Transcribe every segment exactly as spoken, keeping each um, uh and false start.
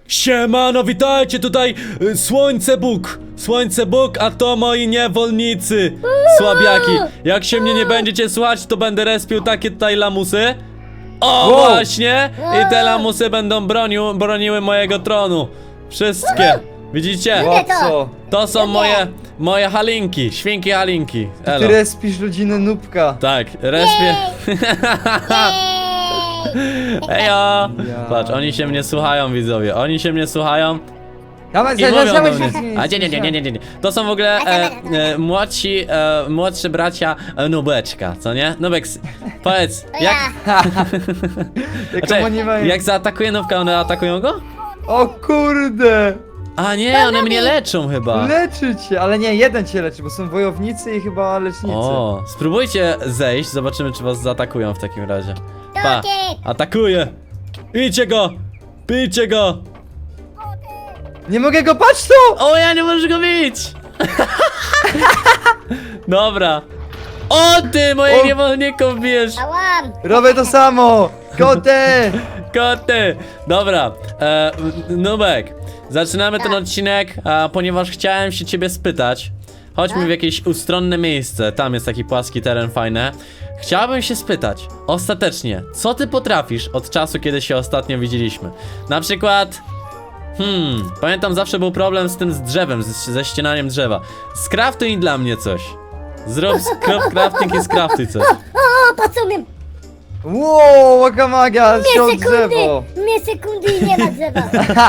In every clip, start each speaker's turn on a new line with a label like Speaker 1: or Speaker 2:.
Speaker 1: Siemano, witajcie tutaj y, Słońce Bóg, Słońce Bóg, a to moi niewolnicy, słabiaki. Jak się mnie nie będziecie słuchać, to będę respił takie tutaj lamusy. O,
Speaker 2: Wow.
Speaker 1: właśnie. I te lamusy będą bronił, broniły mojego tronu. Wszystkie, widzicie?
Speaker 2: O co?
Speaker 1: To są moje, moje halinki, świnki halinki.
Speaker 2: Ty
Speaker 1: Elo.
Speaker 2: respisz rodzinę Nubka.
Speaker 1: Tak, respię. Ejo!
Speaker 2: Ja.
Speaker 1: Patrz, oni się mnie słuchają, widzowie. Oni się mnie słuchają
Speaker 2: Dawaj,
Speaker 1: i mówią do
Speaker 2: dawaj,
Speaker 1: mnie.
Speaker 2: dawaj,
Speaker 1: A nie, nie, nie, nie, nie, nie. To są w ogóle e, e, młodsi, e, młodszy bracia e, Nubeczka, co nie? Nubek, s- powiedz, jak,
Speaker 2: Jaką
Speaker 1: Czekaj,
Speaker 2: oni mają...
Speaker 1: jak zaatakuje Nubka, one atakują go?
Speaker 2: O kurde!
Speaker 1: A nie, one mnie leczą chyba.
Speaker 2: Leczy cię, ale nie, jeden cię leczy, bo są wojownicy i chyba lecznicy.
Speaker 1: O, spróbujcie zejść, zobaczymy czy was zaatakują w takim razie. Pa, atakuje! Bijcie go! Bijcie go!
Speaker 2: Nie mogę go, patrz tu!
Speaker 1: O, ja nie możesz go bić! Dobra. O ty, moich
Speaker 2: O.
Speaker 1: niewolników bijesz!
Speaker 3: Ałam!
Speaker 2: Robię to samo! Kotę!
Speaker 1: Koty! Dobra, e, Nubek, zaczynamy ten
Speaker 3: Tak.
Speaker 1: odcinek, a, ponieważ chciałem się ciebie spytać. Chodźmy w jakieś ustronne miejsce, tam jest taki płaski teren fajny. Chciałbym się spytać, ostatecznie, co ty potrafisz od czasu, kiedy się ostatnio widzieliśmy? Na przykład... Hmm, pamiętam zawsze był problem z tym z drzewem, z, ze ścinaniem drzewa. Skraftuj dla mnie coś. Zrób skrop crafting i skraftuj coś.
Speaker 3: O, patrz umiem!
Speaker 2: Wow, wakamaga,
Speaker 3: Dwie
Speaker 2: ściął
Speaker 3: sekundy!
Speaker 2: drzewo!
Speaker 3: Dwie sekundy i nie ma drzewa!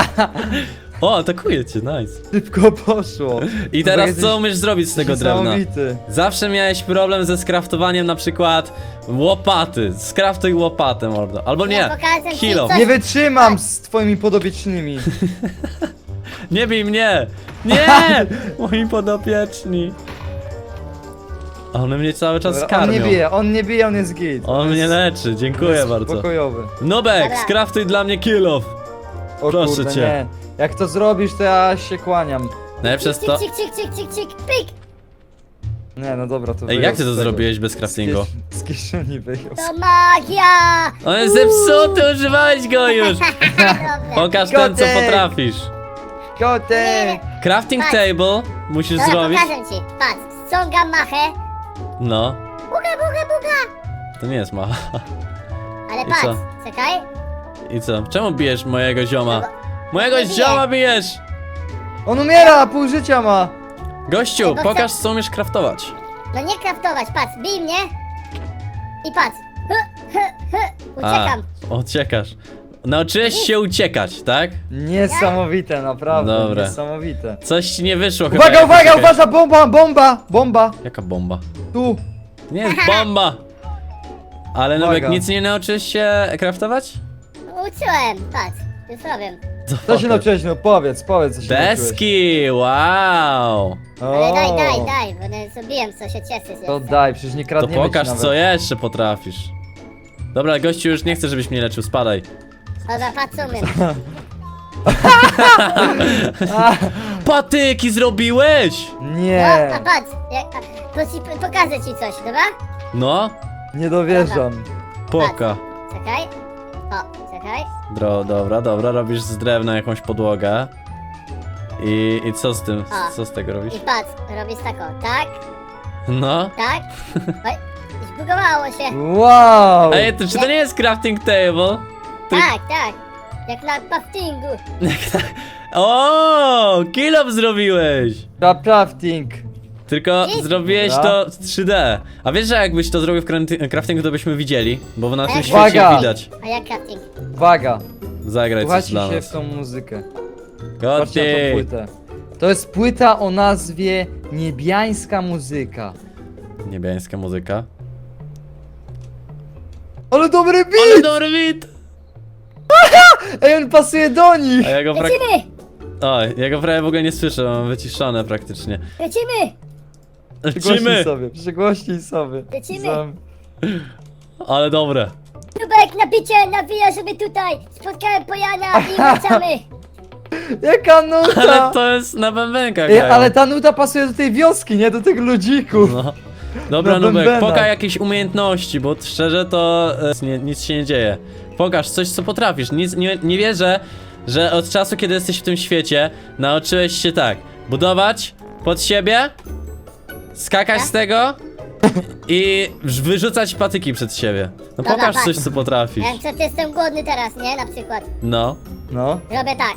Speaker 1: O, atakuje cię, nice.
Speaker 2: Szybko poszło.
Speaker 1: I
Speaker 2: To
Speaker 1: teraz
Speaker 2: jesteś
Speaker 1: co umiesz zrobić z tego drewna?
Speaker 2: Niesamowity.
Speaker 1: Zawsze miałeś problem ze skraftowaniem na przykład łopaty. Skraftuj łopatę, mordo. Albo
Speaker 3: Ja
Speaker 1: nie,
Speaker 3: pokażę ci
Speaker 1: kilo.
Speaker 3: coś.
Speaker 2: Nie wytrzymam z twoimi podobiecznymi.
Speaker 1: Nie bij mnie! Nie! Moi podopieczni. One mnie cały czas
Speaker 2: Dobra, on
Speaker 1: karmią.
Speaker 2: nie bije, on nie bije, on jest git.
Speaker 1: On mnie
Speaker 2: jest-
Speaker 1: leczy, dziękuję
Speaker 2: jest
Speaker 1: bardzo.
Speaker 2: Pokojowy.
Speaker 1: Nubek,
Speaker 3: Dobra.
Speaker 1: skraftuj dla mnie kill-off.
Speaker 2: O
Speaker 1: Proszę
Speaker 2: kurde,
Speaker 1: cię.
Speaker 2: nie. Jak to zrobisz, to ja się kłaniam.
Speaker 1: Najlepsze jest to...
Speaker 3: Cik, cik, cik, cik, cik, pyk!
Speaker 2: Nie, no dobra, to
Speaker 1: Ej,
Speaker 2: wyjął
Speaker 1: jak ty
Speaker 2: z
Speaker 1: to
Speaker 2: tego.
Speaker 1: zrobiłeś bez craftingu?
Speaker 2: Z, kies- z kieszeni wyjął.
Speaker 3: To magia!
Speaker 1: On jest zepsuty, używałeś go już!
Speaker 3: Dobra.
Speaker 1: Pokaż ten, co
Speaker 2: Kotek.
Speaker 1: potrafisz.
Speaker 2: Kotek!
Speaker 1: Crafting
Speaker 3: Patrz.
Speaker 1: table musisz
Speaker 3: Dobra,
Speaker 1: zrobić.
Speaker 3: pokażę ci. Patrz, ściągam machę.
Speaker 1: No,
Speaker 3: Buga, buga, buga!
Speaker 1: to nie jest macha.
Speaker 3: Ale
Speaker 1: I
Speaker 3: patrz,
Speaker 1: co?
Speaker 3: czekaj.
Speaker 1: I co? Czemu bijesz mojego zioma? Mojego
Speaker 3: Nie biję.
Speaker 1: zioma bijesz!
Speaker 2: On umiera, pół życia ma!
Speaker 1: Gościu,
Speaker 3: Ej, bo chcę-
Speaker 1: pokaż co umiesz craftować.
Speaker 3: No nie kraftować, patrz, bij mnie. I patrz. Hy, hy, hy. Uciekam.
Speaker 1: A, uciekasz. Nauczyłeś się uciekać, tak?
Speaker 2: Niesamowite, naprawdę,
Speaker 1: Dobra.
Speaker 2: niesamowite.
Speaker 1: Coś ci nie wyszło chyba.
Speaker 2: Uwaga,
Speaker 1: jak
Speaker 2: uwaga,
Speaker 1: uciekałeś.
Speaker 2: uwaga, bomba, bomba, bomba!
Speaker 1: Jaka bomba?
Speaker 2: Tu!
Speaker 1: Nie jest bomba! Ale Nubek,
Speaker 2: Uwaga.
Speaker 1: nic nie nauczyłeś się craftować?
Speaker 3: Uczyłem, patrz. Już robię.
Speaker 2: Co się nauczyłeś, no powiedz, powiedz co się nauczyłeś.
Speaker 1: Deski, wow!
Speaker 3: Ale daj,
Speaker 2: O,
Speaker 3: daj, daj, bo nie zrobiłem, co się cieszy.
Speaker 2: To daj, przecież nie
Speaker 1: To
Speaker 2: kradniemy ci
Speaker 1: pokaż
Speaker 2: nawet.
Speaker 1: co jeszcze potrafisz. Dobra, gościu, już nie chcę, żebyś mnie leczył, spadaj.
Speaker 3: Dobra, patrz, umiem.
Speaker 1: Patyki zrobiłeś!
Speaker 3: No,
Speaker 2: Nie,
Speaker 3: a patrz, jak, a, to ci, pokażę ci coś, dobra?
Speaker 1: No,
Speaker 2: nie dowierzam.
Speaker 1: poka.
Speaker 3: Czekaj. O, czekaj.
Speaker 1: Dro, dobra, dobra, robisz z drewna jakąś podłogę. I, i co z tym?
Speaker 3: A.
Speaker 1: Co z tego robisz?
Speaker 3: I patrz, robisz tak, o, tak,
Speaker 1: No.
Speaker 3: tak. Oj, zbugowało się.
Speaker 2: Wow!
Speaker 1: Ej, to, czy to nie jest crafting table? Ty-
Speaker 3: Tak, tak. Jak na craftingu.
Speaker 1: O, kill up zrobiłeś!
Speaker 2: Crafting.
Speaker 1: Tylko
Speaker 3: Dzięki.
Speaker 1: zrobiłeś
Speaker 2: Dobra.
Speaker 1: to w trzy D. A wiesz, że jakbyś to zrobił w crafti- craftingu, to byśmy widzieli? Bo na tym
Speaker 3: Jak?
Speaker 1: świecie
Speaker 2: Uwaga!
Speaker 1: widać.
Speaker 3: A jak crafting?
Speaker 2: Uwaga,
Speaker 1: Zagraj coś
Speaker 2: słuchajcie
Speaker 1: dla
Speaker 2: się
Speaker 1: nas.
Speaker 2: w tą muzykę. Patrzcie na tą
Speaker 1: Gotti!
Speaker 2: płytę. To jest płyta o nazwie Niebiańska Muzyka.
Speaker 1: Niebiańska muzyka.
Speaker 2: Ale dobry beat!
Speaker 1: Ale dobry beat!
Speaker 2: Ej, on pasuje do nich!
Speaker 1: A ja go, prak...
Speaker 3: Lecimy!
Speaker 1: Oj, ja go prawie w ogóle nie słyszę, mam wyciszone praktycznie.
Speaker 3: Lecimy!
Speaker 2: Przygłośnij
Speaker 1: Lecimy!
Speaker 2: sobie, przygłośnij sobie.
Speaker 3: Lecimy.
Speaker 2: Zam-
Speaker 1: Ale dobre.
Speaker 3: Nubek, nabicie, nawija sobie tutaj. Spotkałem Pojana i wracamy.
Speaker 2: Jaka nuta!
Speaker 1: Ale to jest na bębenkach
Speaker 2: Ej,
Speaker 1: grają.
Speaker 2: ale ta nuta pasuje do tej wioski, nie do tych ludzików.
Speaker 1: No. Dobra,
Speaker 2: Na
Speaker 1: Nubek,
Speaker 2: bębenach.
Speaker 1: pokaż jakieś umiejętności, bo szczerze to e, nie, nic się nie dzieje. Pokaż coś, co potrafisz. Nic, nie, nie wierzę, że od czasu, kiedy jesteś w tym świecie, nauczyłeś się tak, budować pod siebie, skakać z tego i wyrzucać patyki przed siebie. No
Speaker 3: Dobra,
Speaker 1: pokaż
Speaker 3: patrz.
Speaker 1: coś, co potrafisz.
Speaker 3: Ja co, jestem głodny teraz, nie? Na przykład.
Speaker 1: No,
Speaker 2: No.
Speaker 3: Robię tak.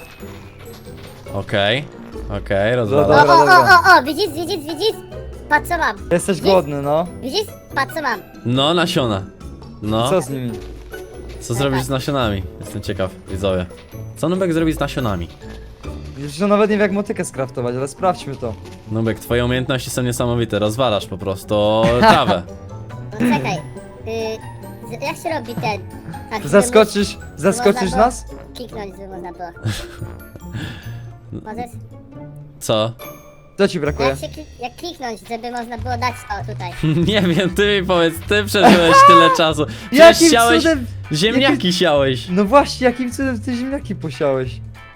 Speaker 1: okej, okej,
Speaker 3: O,
Speaker 1: rozwalam.
Speaker 2: Dobra,
Speaker 3: o,
Speaker 2: dobra.
Speaker 3: o, o, o, widzisz, widzisz, widzisz? Patrz co mam.
Speaker 2: Jesteś głodny, no.
Speaker 3: Widzisz? Patrz co mam.
Speaker 1: No, nasiona. No,
Speaker 2: Co z nimi?
Speaker 1: co zrobisz z nasionami? Jestem ciekaw, widzowie. Co Nubek zrobi z nasionami?
Speaker 2: Już że nawet nie wiem jak motykę skraftować, ale sprawdźmy to.
Speaker 1: Nubek, twoje umiejętności są niesamowite, rozwalasz po prostu trawę.
Speaker 3: No czekaj. Y, z- jak się robi ten? Tak, żeby
Speaker 2: Zaskoczysz,
Speaker 3: móc-
Speaker 2: zaskoczysz
Speaker 3: można było
Speaker 2: nas?
Speaker 3: Kliknąć, żeby można było. Możesz?
Speaker 1: Co?
Speaker 2: Co ci brakuje?
Speaker 3: Jak, się klik, jak kliknąć, żeby można było dać to tutaj.
Speaker 1: Nie wiem, ty mi powiedz, ty przeżyłeś tyle czasu. Przecież
Speaker 2: Jakim
Speaker 1: siałeś,
Speaker 2: cudem-
Speaker 1: ziemniaki
Speaker 2: jakim-
Speaker 1: siałeś.
Speaker 2: No właśnie, jakim cudem ty ziemniaki posiałeś?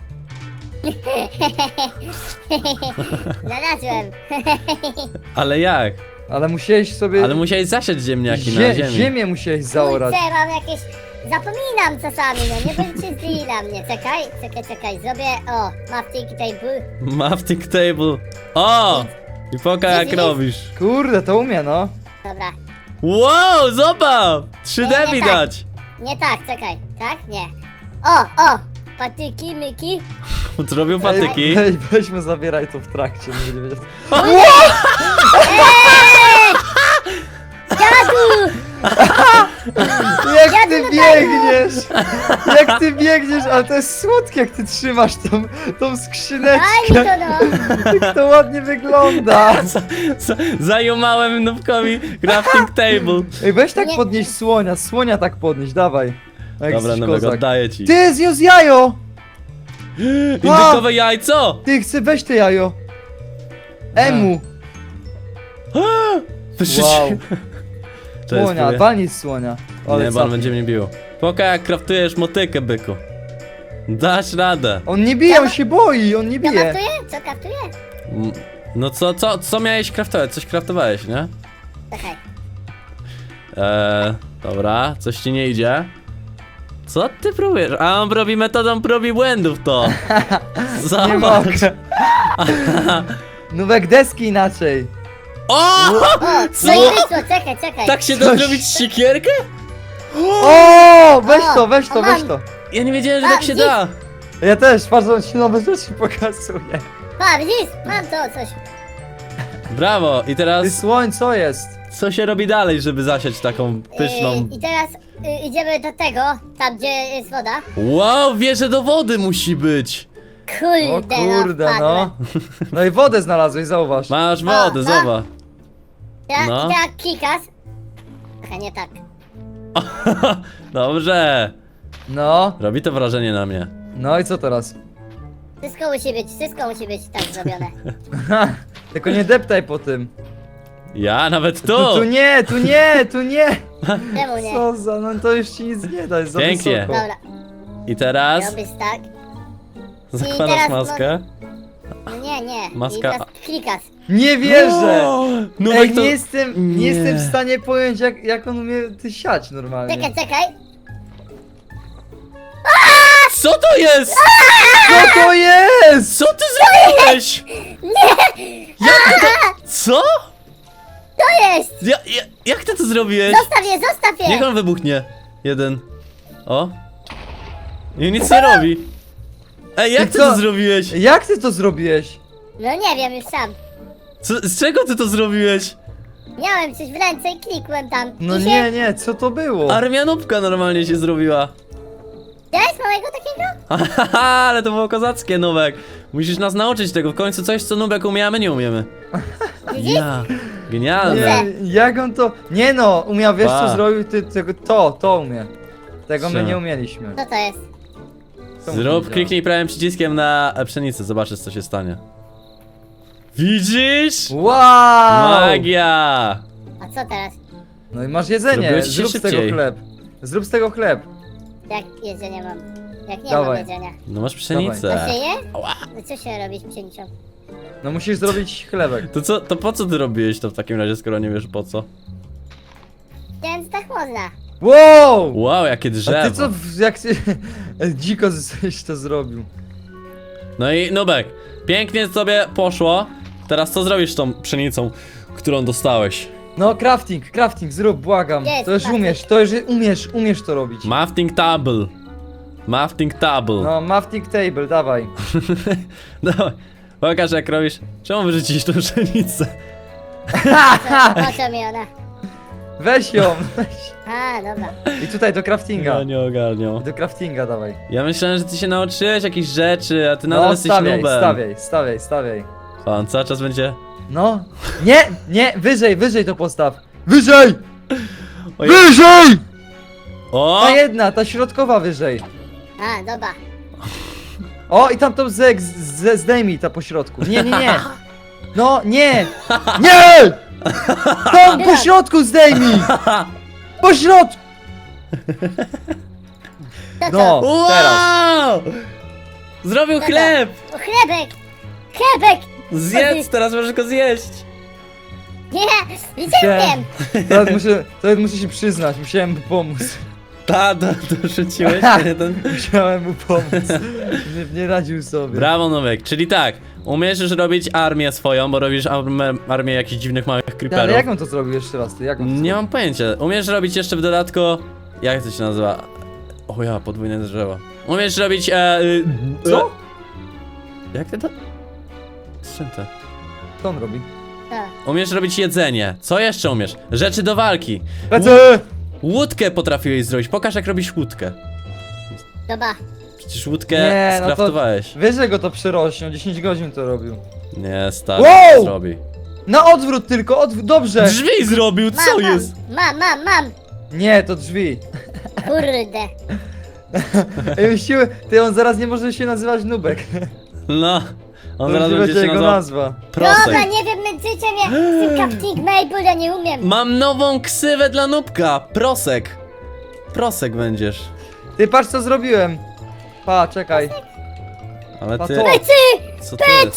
Speaker 3: Znalazłem.
Speaker 1: Ale jak?
Speaker 2: Ale musiałeś sobie...
Speaker 1: Ale musiałeś zasiać ziemniaki na
Speaker 2: Zie
Speaker 1: ziemi.
Speaker 2: ziemię musiałeś zaorać.
Speaker 3: Kurczę, mam jakieś... Zapominam czasami, no nie bądźcie zli na mnie. Czekaj, czekaj, czekaj. Zrobię, o, crafting table.
Speaker 1: Mafting table. O! I poka jak
Speaker 3: Widzisz?
Speaker 1: robisz.
Speaker 2: Kurde, to umie, no.
Speaker 3: Dobra.
Speaker 1: Wow, zobacz! trzy D
Speaker 3: Nie, nie
Speaker 1: widać.
Speaker 3: Nie tak, czekaj. Tak? Nie. O, o! Patyki, myki.
Speaker 1: Zrobił patyki.
Speaker 2: Ej, ej, weźmy, zabieraj to w trakcie. Nie będzie wiedział.
Speaker 3: Dziadu!
Speaker 2: Jak
Speaker 3: Ja
Speaker 2: ty
Speaker 3: tu
Speaker 2: biegniesz! Jak ty biegniesz, ale to jest słodkie, jak ty trzymasz tą, tą skrzyneczkę.
Speaker 3: Daj mi to no!
Speaker 2: Jak to ładnie wygląda.
Speaker 1: Z- z- Zajumałem Nubkowi crafting table.
Speaker 2: Ej, weź tak
Speaker 3: Nie.
Speaker 2: podnieść słonia, słonia tak podnieść, dawaj. Jak
Speaker 1: Dobra,
Speaker 2: jesteś
Speaker 1: Nubek,
Speaker 2: kozak.
Speaker 1: oddaję ci.
Speaker 2: Ty, zniósł jajo!
Speaker 1: Indykowe jajco!
Speaker 2: Ty, chcę, weź te jajo. Emu. Wow.
Speaker 1: To jest
Speaker 2: Słonia,
Speaker 1: próbuję.
Speaker 2: walnij z słonia. Ale
Speaker 1: Nie, bo on
Speaker 2: capi.
Speaker 1: będzie mnie bił. Poka jak kraftujesz motykę, byku. Dasz radę.
Speaker 2: On nie bije, on się boi, on nie
Speaker 3: Co
Speaker 2: bije.
Speaker 3: kraftuje? Co kraftuje?
Speaker 1: Mm, No co, co, co miałeś kraftować? Coś kraftowałeś, nie?
Speaker 3: Czekaj.
Speaker 1: Eee, dobra, coś ci nie idzie. Co ty próbujesz? A on robi metodą prób i błędów to.
Speaker 2: Nie
Speaker 1: Zobacz.
Speaker 2: mogę. Nówek deski inaczej.
Speaker 1: O!
Speaker 3: O,
Speaker 1: Co?
Speaker 3: no i wyszło, czekaj, czekaj.
Speaker 1: Tak się da
Speaker 2: Coś-
Speaker 1: zrobić siekierkę?
Speaker 2: O, weź
Speaker 3: O,
Speaker 2: to, weź to,
Speaker 3: o,
Speaker 2: weź
Speaker 3: mam.
Speaker 2: to.
Speaker 1: Ja nie wiedziałem, że
Speaker 3: A,
Speaker 1: tak się
Speaker 3: widzisz?
Speaker 1: da.
Speaker 2: Ja też, patrz, on ci nowe rzeczy pokazuje.
Speaker 3: Pa, widzisz? Mam to coś.
Speaker 1: Brawo. I
Speaker 2: Ty
Speaker 1: teraz
Speaker 2: słoń, co jest?
Speaker 1: co się robi dalej, żeby zasiać taką pyszną...
Speaker 3: Yy, I teraz yy, idziemy do tego, tam gdzie jest woda.
Speaker 1: Wow, wieże do wody musi być.
Speaker 2: O
Speaker 3: Kurde,
Speaker 2: kurde,
Speaker 3: no.
Speaker 2: no.
Speaker 3: wpadłem.
Speaker 2: No i wodę znalazłeś, zauważ.
Speaker 1: Masz wodę,
Speaker 3: no.
Speaker 1: zobacz.
Speaker 3: Teraz,
Speaker 1: No.
Speaker 3: I teraz klikasz. Aha, nie tak.
Speaker 1: Dobrze.
Speaker 2: No,
Speaker 1: Robi to wrażenie na mnie.
Speaker 2: no i co teraz?
Speaker 3: Wszystko musi być, wszystko musi być tak zrobione.
Speaker 2: Tylko nie deptaj po tym.
Speaker 1: Ja nawet
Speaker 2: Tu,
Speaker 1: tu.
Speaker 2: tu nie, tu nie, tu nie.
Speaker 3: Czemu nie?
Speaker 2: Co za, no to już ci nic nie da, jest za
Speaker 1: Pięknie.
Speaker 2: wysoko.
Speaker 3: Dobra,
Speaker 1: I teraz
Speaker 3: robisz tak.
Speaker 1: zakładasz
Speaker 3: teraz
Speaker 1: maskę.
Speaker 3: No nie, nie.
Speaker 1: Maska-
Speaker 3: I teraz klikasz.
Speaker 2: Nie wierzę!
Speaker 1: O,
Speaker 2: Ej,
Speaker 1: Nubek to...
Speaker 2: nie jestem, nie.
Speaker 1: Nie.
Speaker 2: jestem w stanie pojąć jak, jak on umie ty siać normalnie.
Speaker 3: Czekaj, czekaj.
Speaker 1: Co to jest?
Speaker 2: Co to jest?
Speaker 1: Co ty zrobiłeś? Nie! Jak ty to... Co?
Speaker 3: To jest!
Speaker 1: Ja, ja, jak ty to zrobiłeś?
Speaker 3: Zostaw je, zostaw je!
Speaker 1: Niech on wybuchnie. Jeden. O. I nic nie robi. Ej, jak
Speaker 2: Ty
Speaker 1: ty
Speaker 2: co?
Speaker 1: to zrobiłeś?
Speaker 2: Jak ty to zrobiłeś?
Speaker 3: No nie wiem, już sam.
Speaker 1: Co, z czego ty to zrobiłeś?
Speaker 3: Miałem coś w ręce i klikłem tam.
Speaker 2: No
Speaker 3: I się...
Speaker 2: nie, nie, co to było?
Speaker 1: Armia nubka normalnie się zrobiła.
Speaker 3: Widziałeś małego takiego?
Speaker 1: Haha, ale to było kozackie, Nubek. Musisz nas nauczyć tego. W końcu coś, co Nubek umie, a my nie umiemy.
Speaker 3: Widzisz?
Speaker 1: Ja. Genialne.
Speaker 2: Nie, jak on to... Nie no, umiał, wiesz
Speaker 1: Pa.
Speaker 2: co zrobił? Ty tego, to, to umie. Tego my
Speaker 1: Co?
Speaker 2: nie umieliśmy.
Speaker 3: Co to jest?
Speaker 2: To mu
Speaker 1: Zrób,
Speaker 2: nie
Speaker 1: kliknij prawym przyciskiem na pszenicę, zobaczysz co się stanie. Widzisz?
Speaker 2: działa. Wow!
Speaker 1: Magia!
Speaker 3: A co teraz?
Speaker 2: No i masz jedzenie,
Speaker 1: Zrobiłeś się
Speaker 2: zrób z tego
Speaker 1: szybciej.
Speaker 2: chleb. Zrób z tego chleb.
Speaker 3: Jak jedzenie mam? Jak nie
Speaker 2: Dawaj.
Speaker 3: mam jedzenia?
Speaker 1: No masz
Speaker 3: To
Speaker 1: pszenicę.
Speaker 3: się je?
Speaker 1: Ała.
Speaker 3: No co się robi z pszenicą?
Speaker 2: No musisz zrobić chlebek.
Speaker 1: To co, to po co ty robiłeś to w takim razie, skoro nie wiesz po co?
Speaker 3: Więc tak można.
Speaker 2: Wow!
Speaker 1: Wow, jakie
Speaker 2: A
Speaker 1: drzewo.
Speaker 2: ty co, w- jak ty... E, Dziko żeś to zrobił.
Speaker 1: No i Nubek, pięknie sobie poszło. Teraz co zrobisz z tą pszenicą, którą dostałeś?
Speaker 2: No, crafting, crafting, zrób, błagam.
Speaker 3: Jest,
Speaker 2: To już
Speaker 3: crafting.
Speaker 2: umiesz, to już umiesz, umiesz to robić.
Speaker 1: Mafting table. Mafting table.
Speaker 2: No, mafting table, dawaj.
Speaker 1: Dawaj, pokaż jak robisz. Czemu wyrzucić tą pszenicę?
Speaker 3: Po co mi ona?
Speaker 2: Weź ją, weź.
Speaker 3: A, dobra.
Speaker 2: I tutaj do craftinga.
Speaker 1: Ja nie ogarniam.
Speaker 2: Do craftinga dawaj.
Speaker 1: Ja myślałem, że ty się nauczyłeś jakichś rzeczy, a ty nadal
Speaker 2: No,
Speaker 1: jesteś
Speaker 2: stawiaj,
Speaker 1: nubem.
Speaker 2: stawiaj, stawiaj, stawiaj.
Speaker 1: Pan cały czas będzie...
Speaker 2: No. Nie, nie, wyżej, wyżej to postaw. Wyżej!
Speaker 1: Oj.
Speaker 2: Wyżej!
Speaker 1: O!
Speaker 2: Ta jedna, ta środkowa wyżej.
Speaker 3: A, dobra.
Speaker 2: O, i tam to ze, ze, zdejmij ta po środku. Nie, nie, nie. No, nie! Nie! Tam po środku zdejmij! Po środku!
Speaker 3: To co?
Speaker 2: No,
Speaker 1: Wow!
Speaker 2: teraz.
Speaker 1: Zrobił
Speaker 3: Dobra.
Speaker 1: chleb!
Speaker 3: O, chlebek! Chlebek!
Speaker 1: Zjedz, teraz możesz go zjeść.
Speaker 3: Nie, widziałem!
Speaker 2: Teraz muszę, teraz muszę się przyznać, musiałem mu pomóc.
Speaker 1: Ta, to, to rzuciłeś jeden.
Speaker 2: Musiałem mu pomóc. Nie, nie radził sobie.
Speaker 1: Brawo, Nowek. Czyli tak, umiesz już robić armię swoją, bo robisz armię, armię jakichś dziwnych małych
Speaker 2: Ja, ale
Speaker 1: creeperów.
Speaker 2: jak on to zrobił jeszcze raz? Ty, jak on to
Speaker 1: Nie
Speaker 2: zrobił?
Speaker 1: mam pojęcia. Umiesz robić jeszcze w dodatku... Jak to się nazywa? O ja, podwójne drzewo. Umiesz robić... E, y,
Speaker 2: Co?
Speaker 1: e, jak ty to? Z czym to?
Speaker 2: Co on robi?
Speaker 3: To.
Speaker 1: Umiesz robić jedzenie. Co jeszcze umiesz? Rzeczy do walki.
Speaker 2: Lecę!
Speaker 1: Łódkę potrafiłeś zrobić. Pokaż jak robisz łódkę.
Speaker 3: Dobra.
Speaker 1: Przecież łódkę
Speaker 2: Nie, no to-
Speaker 1: skraftowałeś.
Speaker 2: Wyżej go to przyrośnie, dziesięć godzin to robił.
Speaker 1: Nie, stary,
Speaker 2: Wow!
Speaker 1: zrobi.
Speaker 2: Na odwrót tylko, odwrót, dobrze!
Speaker 1: Drzwi zrobił,
Speaker 3: Mam,
Speaker 1: co
Speaker 3: mam,
Speaker 1: jest?
Speaker 3: Mam, mam, mam!
Speaker 2: Nie, to drzwi.
Speaker 3: Kurde.
Speaker 2: Ej, myśliły, ty on zaraz nie może się nazywać Nubek.
Speaker 1: No,
Speaker 2: To
Speaker 1: on zaraz
Speaker 2: już
Speaker 1: będzie się
Speaker 2: jego
Speaker 1: nazywał
Speaker 2: nazwa.
Speaker 3: Dobra,
Speaker 1: Prosek.
Speaker 3: nie wiem, męczycie mnie z tym crafting Maple, ja nie umiem.
Speaker 1: Mam nową ksywę dla Nubka. Prosek. Prosek będziesz.
Speaker 2: Ty patrz co zrobiłem. Pa, czekaj.
Speaker 1: Ale
Speaker 2: Pa
Speaker 1: ty,
Speaker 2: to.
Speaker 3: Pecy!
Speaker 1: co to jest?
Speaker 3: Pecy!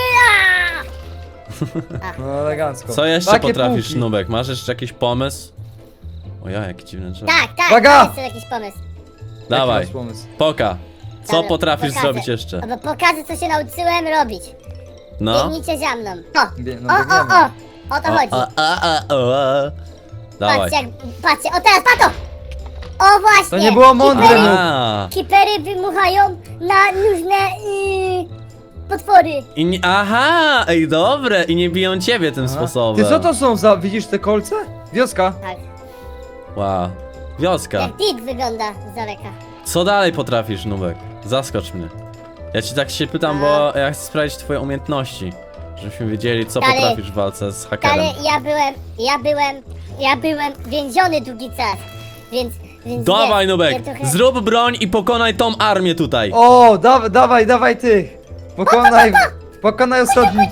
Speaker 3: A!
Speaker 2: No elegancko.
Speaker 1: Co jeszcze
Speaker 2: Takie
Speaker 1: potrafisz,
Speaker 2: półki.
Speaker 1: Nubek? Masz jeszcze jakiś pomysł? O ja, jaki dziwny drzewo.
Speaker 3: Tak, tak,
Speaker 2: Uwaga!
Speaker 3: to jest jakiś pomysł.
Speaker 2: Jaki
Speaker 1: Dawaj,
Speaker 2: masz pomysł?
Speaker 1: poka. Co
Speaker 3: Dobra,
Speaker 1: potrafisz
Speaker 3: pokażę.
Speaker 1: zrobić jeszcze?
Speaker 3: Bo pokażę, co się nauczyłem robić.
Speaker 1: No.
Speaker 3: Biegnijcie za mną. O,
Speaker 2: Bie- no
Speaker 3: o, o,
Speaker 2: biegniemy.
Speaker 3: o! O to
Speaker 1: O,
Speaker 3: chodzi.
Speaker 1: a, a, a, o, a. Dawaj.
Speaker 3: Patrzcie, jak, patrzcie, o teraz, pato! O właśnie!
Speaker 2: To nie było mądre,
Speaker 3: Kipery,
Speaker 2: no.
Speaker 1: A.
Speaker 3: kipery wymuchają na różne yy, potwory.
Speaker 1: I nie, aha, ej dobre, i nie biją ciebie tym
Speaker 2: Aha.
Speaker 1: sposobem.
Speaker 2: Ty co to są za, widzisz te kolce? Wioska.
Speaker 3: Tak,
Speaker 1: Wow. Wioska.
Speaker 3: jak dit wygląda z daleka.
Speaker 1: Co dalej potrafisz, Nubek? Zaskocz mnie. Ja ci tak się pytam, bo ja chcę sprawdzić twoje umiejętności. Żebyśmy wiedzieli, co
Speaker 3: Dalej.
Speaker 1: potrafisz w walce z hakerem.
Speaker 3: Ale ja byłem, ja byłem, ja byłem więziony długi czas, więc... więc
Speaker 1: Dawaj,
Speaker 3: wiesz,
Speaker 1: Nubek,
Speaker 3: ja trochę-
Speaker 1: zrób broń i pokonaj tą armię tutaj.
Speaker 2: O, da, dawaj, dawaj tych. Pokonaj, pokonaj ostatni.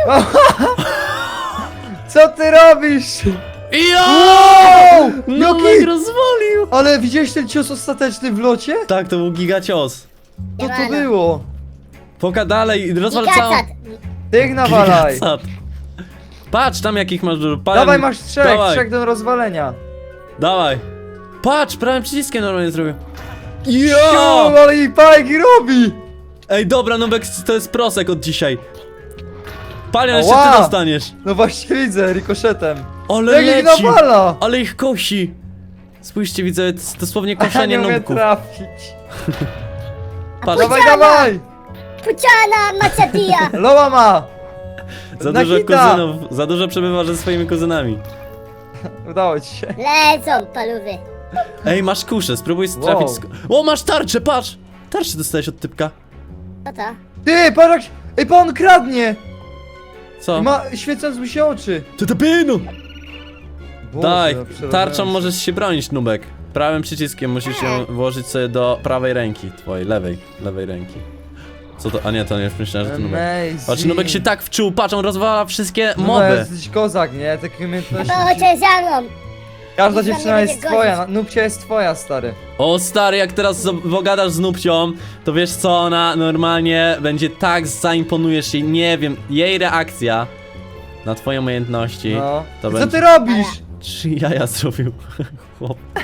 Speaker 2: Co ty robisz?
Speaker 1: Jo!
Speaker 2: Wow!
Speaker 1: Nubek
Speaker 2: Jaki?
Speaker 1: rozwalił!
Speaker 2: Ale widziałeś ten cios ostateczny w locie?
Speaker 1: Tak, to był gigacios.
Speaker 2: Co to
Speaker 3: Siemano.
Speaker 2: było?
Speaker 1: Poka dalej i rozwal całą...
Speaker 3: Gigacad.
Speaker 2: Tych nawalaj.
Speaker 1: Gigacad. Patrz, tam jakich masz dużo. Palem-
Speaker 2: Dawaj, masz trzech,
Speaker 1: Dawaj.
Speaker 2: trzech do rozwalenia.
Speaker 1: Dawaj. Patrz, prawym przyciskiem normalnie zrobił.
Speaker 2: Jo,
Speaker 1: Jo!
Speaker 2: ale i bajki robi.
Speaker 1: Ej, dobra, Nubek, to jest prosek od dzisiaj. Palion, jeszcze
Speaker 2: Ała.
Speaker 1: ty dostaniesz.
Speaker 2: No właśnie widzę, rikoszetem.
Speaker 1: Ale
Speaker 2: Jak ich
Speaker 1: leci.
Speaker 2: nawala.
Speaker 1: Ale ich kosi. Spójrzcie, widzę, to jest dosłownie
Speaker 2: Ja
Speaker 1: koszenie
Speaker 2: nie umiem
Speaker 1: nubków.
Speaker 2: trafić.
Speaker 1: Patrz,
Speaker 2: Dawaj,
Speaker 3: Puciana!
Speaker 2: dawaj.
Speaker 3: Puciana Machadia!
Speaker 2: Loła ma.
Speaker 1: za
Speaker 2: na
Speaker 1: dużo
Speaker 2: hita.
Speaker 1: kuzynów, za dużo przebywasz ze swoimi kuzynami.
Speaker 2: Udało ci się.
Speaker 3: Lecą paluwy.
Speaker 1: Ej, masz kuszę, spróbuj trafić.
Speaker 2: Wow.
Speaker 1: Sk- o, masz tarczę, patrz! Tarczę dostałeś od typka.
Speaker 3: Co to?
Speaker 2: Ty, patrz jak... Ej, pan kradnie.
Speaker 1: Co?
Speaker 2: I ma świecąc mu się oczy.
Speaker 1: To to pinu!
Speaker 2: Boże,
Speaker 1: Daj,
Speaker 2: przerażające.
Speaker 1: tarczą możesz się bronić, Nubek. Prawym przyciskiem musisz ją włożyć sobie do prawej ręki, twojej, lewej, lewej ręki. Co to? A nie, to nie, już myślałem, że to Nubek.
Speaker 2: Amazing.
Speaker 1: Patrz, Nubek się tak wczuł, patrz, on rozwala wszystkie
Speaker 2: No,
Speaker 1: moby.
Speaker 2: jesteś kozak, nie? Takie umiejętności.
Speaker 3: To chodźcie za mną.
Speaker 2: Każda
Speaker 3: Nic nam
Speaker 2: dziewczyna
Speaker 3: nie
Speaker 2: jest
Speaker 3: będzie
Speaker 2: twoja,
Speaker 3: godzić.
Speaker 2: Nubcia jest twoja, stary.
Speaker 1: O stary, jak teraz z- pogadasz z Nubcią, to wiesz co, ona normalnie będzie tak zaimponujesz jej, nie wiem, jej reakcja na twoje umiejętności.
Speaker 2: No.
Speaker 1: To
Speaker 2: I co
Speaker 1: będzie...
Speaker 2: ty robisz?
Speaker 1: Trzy jaja zrobił, chłop.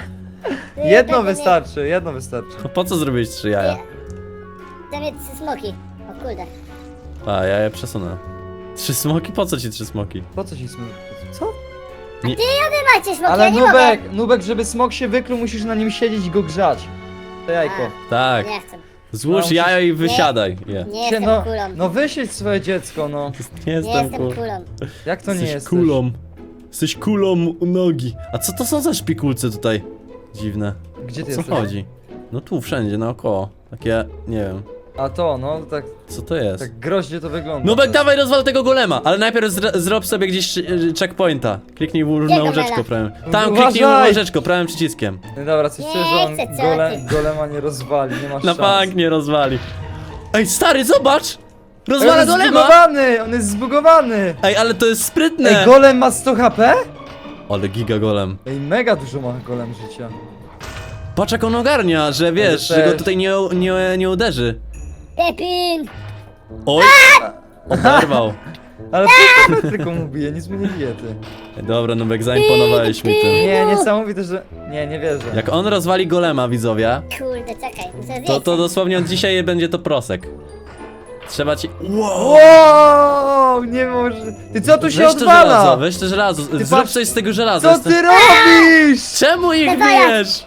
Speaker 2: Jedno
Speaker 3: Będę
Speaker 2: wystarczy, jedno wystarczy.
Speaker 1: Po co zrobiłeś trzy jaja?
Speaker 3: Chcę mieć trzy smoki. O kurde.
Speaker 1: A, ja je przesunę. Trzy smoki? Po co ci trzy smoki?
Speaker 2: Po co ci smok? Co?
Speaker 3: Ty wy macie smoki,
Speaker 2: Ale
Speaker 3: ja nie
Speaker 2: Nubek, Nubek, żeby smok się wykluł, musisz na nim siedzieć i go grzać. To jajko.
Speaker 1: Tak.
Speaker 3: mogę. Nie chcę.
Speaker 1: Złóż
Speaker 2: No,
Speaker 1: jajo i wysiadaj. Je.
Speaker 3: Nie
Speaker 2: Cię,
Speaker 3: jestem
Speaker 2: no,
Speaker 3: kulą.
Speaker 2: no wysiedź swoje dziecko, no.
Speaker 1: Nie
Speaker 3: Nie
Speaker 1: jestem
Speaker 3: jestem
Speaker 1: kul.
Speaker 3: kulą.
Speaker 2: Jak to nie
Speaker 1: Jesteś
Speaker 2: jesteś?
Speaker 1: kulą. Jesteś kulą u nogi. A co to są za szpikulce tutaj? Dziwne.
Speaker 2: Gdzie ty
Speaker 1: O co
Speaker 2: jesteś?
Speaker 1: chodzi? No tu, wszędzie, naokoło. Takie, nie wiem.
Speaker 2: A to, no, tak,
Speaker 1: Co to jest?
Speaker 2: tak groźnie to wygląda.
Speaker 1: Nubek, dawaj rozwal tego golema, ale najpierw zr zrób sobie gdzieś y, checkpointa. Kliknij w na
Speaker 3: Gdzie
Speaker 1: łyżeczko
Speaker 3: golema?
Speaker 1: prawym. Tam,
Speaker 2: Uważaj!
Speaker 1: kliknij w łyżeczko prawym przyciskiem.
Speaker 2: No dobra, coś
Speaker 3: Nie
Speaker 2: czuję, że on
Speaker 3: chcę, co
Speaker 2: gole,
Speaker 3: ty?
Speaker 2: golema nie rozwali, nie masz
Speaker 1: Na
Speaker 2: szans.
Speaker 1: bank nie rozwali. Ej, stary, zobacz!
Speaker 2: Ej, on
Speaker 1: Rozwala
Speaker 2: jest
Speaker 1: golema!
Speaker 2: zbugowany, on jest zbugowany!
Speaker 1: Ej, ale to jest sprytne!
Speaker 2: Ej, golem ma sto H P?
Speaker 1: Ale giga golem.
Speaker 2: Ej, mega dużo ma golem życia.
Speaker 1: Patrz jak on ogarnia, że wiesz,
Speaker 2: to
Speaker 1: że go
Speaker 2: też.
Speaker 1: tutaj nie, nie, nie uderzy.
Speaker 3: Pepin!
Speaker 1: Oj! Oberwał.
Speaker 2: Ale po tylko mu bije, nic mu nie bije, ty.
Speaker 1: Ej, dobra, Nubek, zaimponowałeś mi tym.
Speaker 2: Nie, niesamowite, że... Nie, nie wierzę.
Speaker 1: Jak on rozwali golema, widzowie,
Speaker 3: Kurde, czekaj, muszę zjeść.
Speaker 1: to, to dosłownie od dzisiaj będzie to prosek. Trzeba ci... Wow!
Speaker 2: Wow, nie może... Ty co tu się
Speaker 1: Weź to żelazo,
Speaker 2: odwala?
Speaker 1: weź to żelazo. Zrób
Speaker 2: patrz-
Speaker 1: coś z tego żelaza.
Speaker 2: Co
Speaker 1: Jestem-
Speaker 2: ty robisz?
Speaker 1: Czemu ich
Speaker 3: Dawaj, jak-
Speaker 1: bijesz?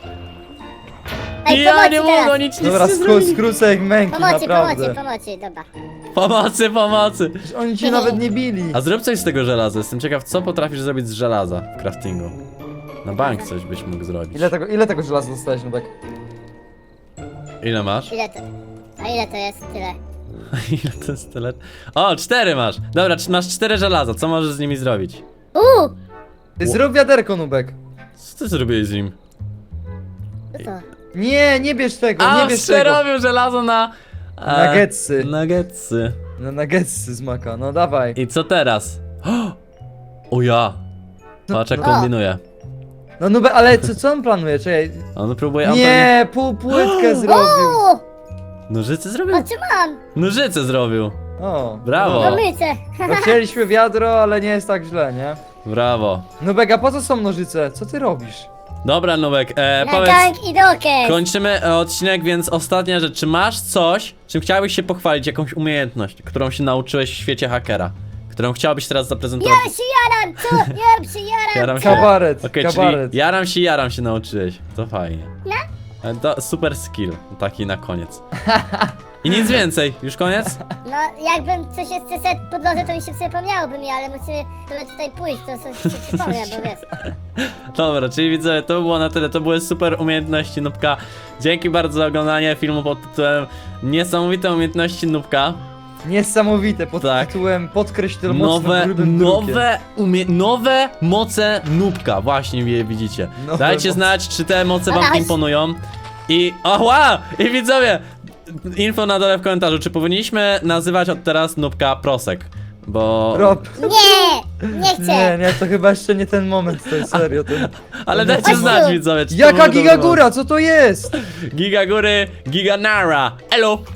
Speaker 3: Ej,
Speaker 1: Ja
Speaker 3: pomocy
Speaker 1: nie
Speaker 3: teraz.
Speaker 1: mogę nic, nic
Speaker 2: Dobra,
Speaker 1: nie
Speaker 2: skru,
Speaker 1: zrobić.
Speaker 2: skrócę ich męki,
Speaker 3: Pomocy, pomocy,
Speaker 2: naprawdę.
Speaker 3: pomocy, dobra.
Speaker 1: Pomocy, pomocy.
Speaker 2: Oni cię nawet nie bili.
Speaker 1: A zrób coś z tego żelaza. Jestem ciekaw, co potrafisz zrobić z żelaza w craftingu. Na bank coś byś mógł zrobić.
Speaker 2: Ile tego, ile tego żelaza dostałeś, Nubek?
Speaker 1: Ile masz?
Speaker 3: Ile to? A ile to jest? Tyle.
Speaker 1: Ile to jest tyle? O, cztery masz. Dobra, c- masz cztery żelaza. Co możesz z nimi zrobić?
Speaker 3: Uuu!
Speaker 2: Ty zrób wiaderko, Nubek.
Speaker 1: Co ty zrobiłeś z nim?
Speaker 3: Co to?
Speaker 2: Nie, nie bierz tego,
Speaker 1: A,
Speaker 2: nie bierz tego.
Speaker 1: przerobił żelazo na... e,
Speaker 2: Nuggetsy.
Speaker 1: Nuggetsy.
Speaker 2: Na nuggetsy z maka, no dawaj.
Speaker 1: I co teraz? O ja. Patrz jak
Speaker 2: No.
Speaker 1: kombinuje.
Speaker 2: No Nubek, ale co, co on planuje? Czekaj.
Speaker 1: On próbuje... on pewnie-
Speaker 2: Nie, pół płytkę zrobił.
Speaker 3: Uuu!
Speaker 1: Nożyce zrobił?
Speaker 3: O, czy mam?
Speaker 1: Nożyce zrobił.
Speaker 2: O,
Speaker 1: Brawo.
Speaker 2: no.
Speaker 3: No mycie.
Speaker 2: No, chcieliśmy wiadro, ale nie jest tak źle, nie?
Speaker 1: Brawo.
Speaker 2: Nubek, a po co są nożyce? Co ty robisz?
Speaker 1: Dobra, Nubek, e,
Speaker 3: Na
Speaker 1: powiedz...
Speaker 3: tank i dokes.
Speaker 1: Kończymy e, odcinek, więc ostatnia rzecz. Czy masz coś, czym chciałbyś się pochwalić, jakąś umiejętność, którą się nauczyłeś w świecie hakera? Którą chciałbyś teraz zaprezentować?
Speaker 3: Ja się jaram, co? Ja się jaram.
Speaker 1: Jaram się.
Speaker 2: Kabaret,
Speaker 1: Okej,
Speaker 2: kabaret.
Speaker 1: czyli jaram się, jaram się nauczyłeś. To fajnie.
Speaker 3: No.
Speaker 1: E, To super skill, taki na koniec. I nic więcej, już koniec?
Speaker 3: No, jakbym coś jeszcze szedł po drodze, to mi się przypomniałoby mi, ale musimy sobie tutaj pójść, to coś się przypomnę, bo wiesz.
Speaker 1: Dobra, czyli widzę, to było na tyle. To były super umiejętności Nubka. Dzięki bardzo za oglądanie filmu pod tytułem Niesamowite umiejętności Nubka.
Speaker 2: Niesamowite, pod
Speaker 1: Tak.
Speaker 2: tytułem podkreśl to mocno
Speaker 1: Nowe,
Speaker 2: grubym drukiem.
Speaker 1: nowe, umie nowe moce Nubka, właśnie je widzicie.
Speaker 2: Nowe
Speaker 1: Dajcie
Speaker 2: moce.
Speaker 1: znać, czy te moce wam
Speaker 3: Dawaj.
Speaker 1: imponują. I, oła! I widzowie, info na dole w komentarzu, czy powinniśmy nazywać od teraz Nubka Prosek, bo...
Speaker 2: Rob.
Speaker 3: Nie! Nie chcę!
Speaker 2: Nie, nie, to chyba jeszcze nie ten moment, to jest serio. To...
Speaker 1: Ale dajcie
Speaker 3: Chodź
Speaker 1: znać,
Speaker 3: tu.
Speaker 1: widzowie, czy to
Speaker 2: Jaka
Speaker 1: był dobry
Speaker 2: gigagóra, co to jest?
Speaker 1: moment. Giga góry, giga nara, elo!